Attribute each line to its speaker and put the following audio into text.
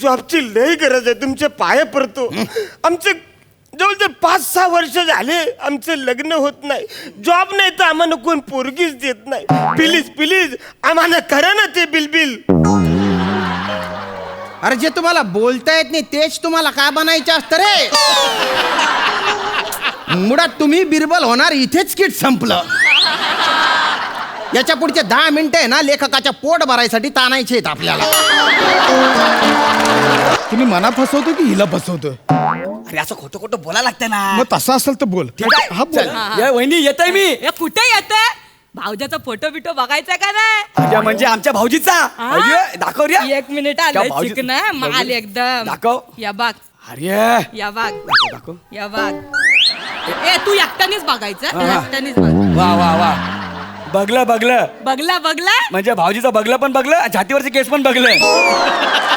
Speaker 1: जॉबची लई गरज आहे, तुमचे पाय पडतो. आमचे जवळजवळ 5-6 वर्ष झाले आमचं लग्न होत नाही. जॉब नाही तर आम्हाला कोण पोरगीच देत नाही. प्लीज प्लीज आम्हाला करा ना ते बिल.
Speaker 2: अरे जे तुम्हाला बोलता येत नाही तेच तुम्हाला काय बनायचं असतं रे. मुळात तुम्ही बिरबल होणार इथेच किट संपलं. याच्या पुढचे 10 मिनिटं आहे ना लेखकाच्या पोट भरायसाठी ताणायचे आहेत आपल्याला.
Speaker 3: तुम्ही मना फसवतो की हिला फसवतो?
Speaker 4: अरे असं खोटं खोटं बोलायला लागतं ना.
Speaker 3: मग तसं असेल तर बोल. हा बोल.
Speaker 4: या वहिनी येतोय मी.
Speaker 5: कुठे येते? भाऊजाचा फोटो बिटो बघायचा का नाही?
Speaker 4: म्हणजे आमच्या भाऊजीचा. अय्यो, दाखव रे.
Speaker 5: 1 मिनिट आलं चिकन माल एकदम.
Speaker 4: दाखव.
Speaker 5: या बाग.
Speaker 4: अरे
Speaker 5: या बाग.
Speaker 4: दाखव.
Speaker 5: या बाग. ए तू एकट्यानेच बघायचं. एकट्यानेच बघ.
Speaker 4: वा वा वा. बघलं
Speaker 5: बघला
Speaker 4: म्हणजे भाऊजीचं बघलं पण बघलं, छातीवरचे केस पण बघलं.